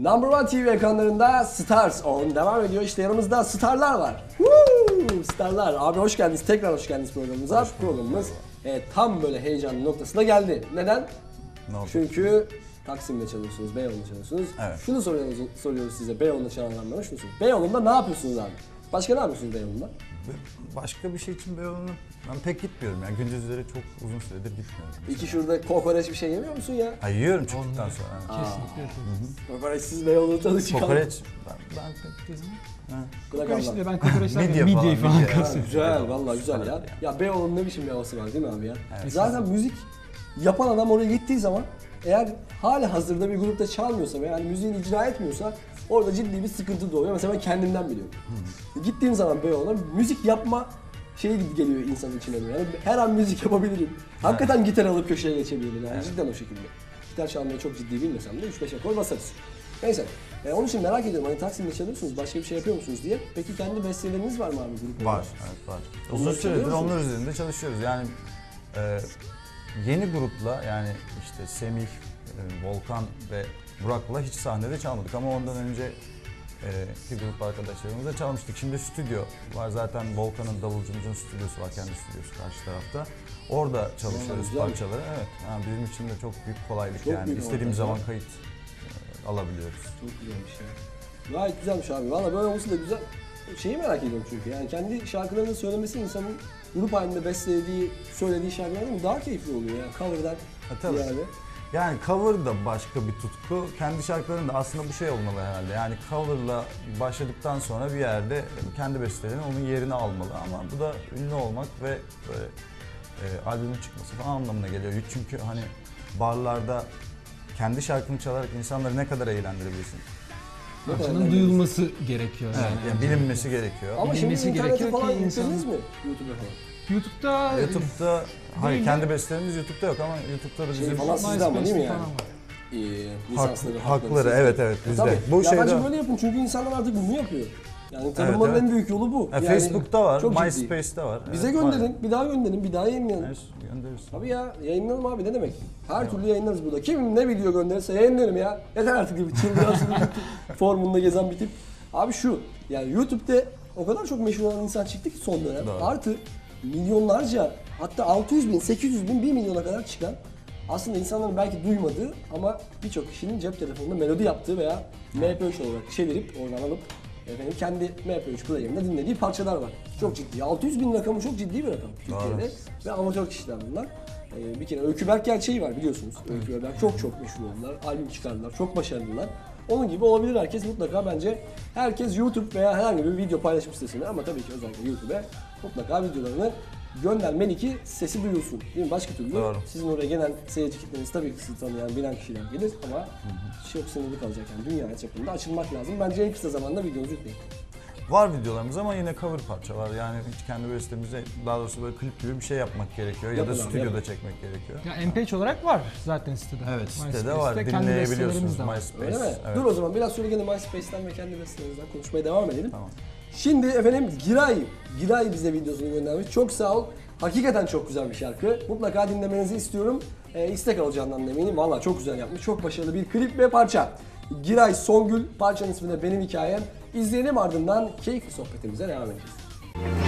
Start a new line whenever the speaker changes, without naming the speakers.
Number One TV ekranlarında Stars On devam ediyor. İşte yanımızda starlar var. Woo! Starlar. Abi hoş geldiniz. Tekrar hoş geldiniz programımıza. Programımız tam böyle heyecanlı noktasına geldi. Neden?
Ne oldu?
Çünkü Taksim'de çalıyorsunuz, Beyoğlu'nda çalıyorsunuz.
Evet.
Şunu soruyoruz size Beyoğlu'nda çalan adamlara, şunu soruyoruz. Beyoğlu'nda ne yapıyorsunuz abi? Başka ne yapıyorsunuz Beyoğlu'nda?
Başka bir şey için Beyoğlu'na ben pek gitmiyorum yani gündüzleri çok uzun süredir gitmiyorum.
İki şurada kokoreç bir şey yemiyor musun ya?
Ha, yiyorum çıktıktan sonra.
Kesinlikle yapıyorum.
Kokoreçsiz Beyoğlu'da tadı çıkan.
Kokoreç ben pek gezmem.
Kokoreç de ben kokoreçler
Midye
midyeyi
falan,
falan
midye.
kasıyorum.
Güzel, vallahi güzel ya. Ya Beyoğlu'nun ne biçim bir havası var değil mi abi ya?
Evet.
Zaten müzik yapan adam oraya gittiği zaman eğer hala hazırda bir grupta çalmıyorsa ve yani müziğini icra etmiyorsa orada ciddi bir sıkıntı doğuyor. Mesela ben kendimden biliyorum. Gittiğim zaman Beyoğlu'na müzik yapma şeyi geliyor insanın içine böyle. Yani her an müzik yapabilirim. Hakikaten gitar alıp köşeye geçebilirim yani cidden o şekilde. Gitar çalmayı çok ciddi bilmesem de 3-5 akor basarız. Neyse. Onun için merak ediyorum hani Taksim'de çalıyorsunuz, başka bir şey yapıyor musunuz diye. Peki kendi besteleriniz var mı abi grup olarak?
Var, evet var.
Onları
Uzun süredir
çalıyor musun?
onlar üzerinde çalışıyoruz. Yani yeni grupla yani işte Semih, Volkan ve Burak'la hiç sahnede çalmadık ama ondan önce bir grup arkadaşlarımızla çalmıştık. Şimdi stüdyo var zaten Volkan'ın davulcumuzun stüdyosu var, kendi stüdyosu karşı tarafta. Orada çalışıyoruz
güzel.
parçaları. Evet, yani bizim için de çok büyük kolaylık
Çok
yani.
büyük
İstediğimiz
avantaj
zaman kayıt alabiliyoruz.
Çok güzelmiş ya. Gayet güzelmiş abi. Valla böyle olması da güzel. Şeyi merak ediyorum çünkü yani kendi şarkılarını söylemesi insanın grup halinde bestelediği, söylediği şarkılardan daha keyifli oluyor yani cover'dan
Tabii.
yani.
Yani cover da başka bir tutku. Kendi şarkıların da aslında bu şey olmalı herhalde. Yani coverla başladıktan sonra bir yerde kendi bestelerinin onun yerini almalı. Ama bu da ünlü olmak ve böyle albümün çıkması falan anlamına geliyor. Çünkü hani barlarda kendi şarkını çalarak insanları ne kadar eğlendirebilirsin?
Ne kadar
Parçanın
önemli.
duyulması gerekiyor
Evet,
yani.
yani bilinmesi gerekiyor.
Ama şimdi
bilinmesi
internete
gerekiyor
falan
ki insan-
yüklediniz mi? YouTube'a falan.
YouTube'da
YouTube'da, hayır
Değil
kendi
mi?
bestelerimiz YouTube'da yok ama YouTube'da da
Şey
bizim
falan sizde ama değil mi yani?
falan var.
Lisansları,
hakları,
sizde.
evet bizde.
Tabii.
Bu
Ya bence
şeyde
böyle yapın çünkü insanlar artık bunu yapıyor. Yani tanınmanın
evet.
en büyük yolu bu. Yani
Facebook'ta var,
çok ciddi.
MySpace'te var.
Bize
Evet,
gönderin, bir daha gönderin, bir daha yayınlayalım.
Evet, göndeririz.
Tabii ya, yayınlayalım abi ne demek? Her türlü yayınlarız burada. Kim ne video gönderirse yayınlarım ya. Yeter artık gibi çıldıran formunda gezen bir tip. Abi şu, yani YouTube'da o kadar çok meşhur olan insan çıktı ki son dönem.
Doğru.
Artı milyonlarca, hatta 600 bin, 800 bin, 1 milyona kadar çıkan aslında insanların belki duymadığı ama birçok kişinin cep telefonunda melodi yaptığı veya MP3 olarak çevirip oradan alıp efendim kendi MP3 player'ında dinlediği parçalar var. Çok ciddi. 600 bin rakamı çok ciddi bir rakam Türkiye'de ve amatör kişiler bunlar. Bir kere Öykü Berk gerçeği var biliyorsunuz. Öykü Berk çok meşhur oldular. Albüm çıkardılar. Çok başarılılar. Onun gibi olabilir herkes mutlaka bence. Herkes YouTube veya herhangi bir video paylaşım sitesine ama tabii ki özellikle YouTube'e mutlaka videolarını göndermeli ki sesi duyulsun. Değil mi? Başka türlü
Doğru.
sizin oraya gelen seyirci kitleniz tabii ki sizi tanıyan, bilen kişiler gelir ama çok sınırlı kalacak yani dünya çapında açılmak lazım. Bence en kısa zamanda videonuzu yükleyin.
Var videolarımız ama yine cover parça var. Yani hiç kendi bestemize daha doğrusu böyle klip gibi bir şey yapmak gerekiyor ya
Yapın
da
abi,
stüdyoda
yapın.
çekmek gerekiyor.
Ya MP3 olarak var zaten sitede.
Evet sitede
MySpace'te
var.
kendi
Dinleyebiliyorsunuz
bestelerimiz de var.
MySpace.
Öyle mi?
Evet.
Dur o zaman biraz sonra gene MySpace'ten ve kendi bestelerinizden konuşmaya devam edelim.
Tamam.
Şimdi efendim Giray bize videosunu göndermiş. Çok sağ ol. Hakikaten çok güzel bir şarkı. Mutlaka dinlemenizi istiyorum. İstek alacağından eminim. Valla çok güzel yapmış. Çok başarılı bir klip ve parça. Giray Songül, parçanın ismi de Benim Hikayem. İzleyelim ardından keyifli sohbetimize devam edeceğiz.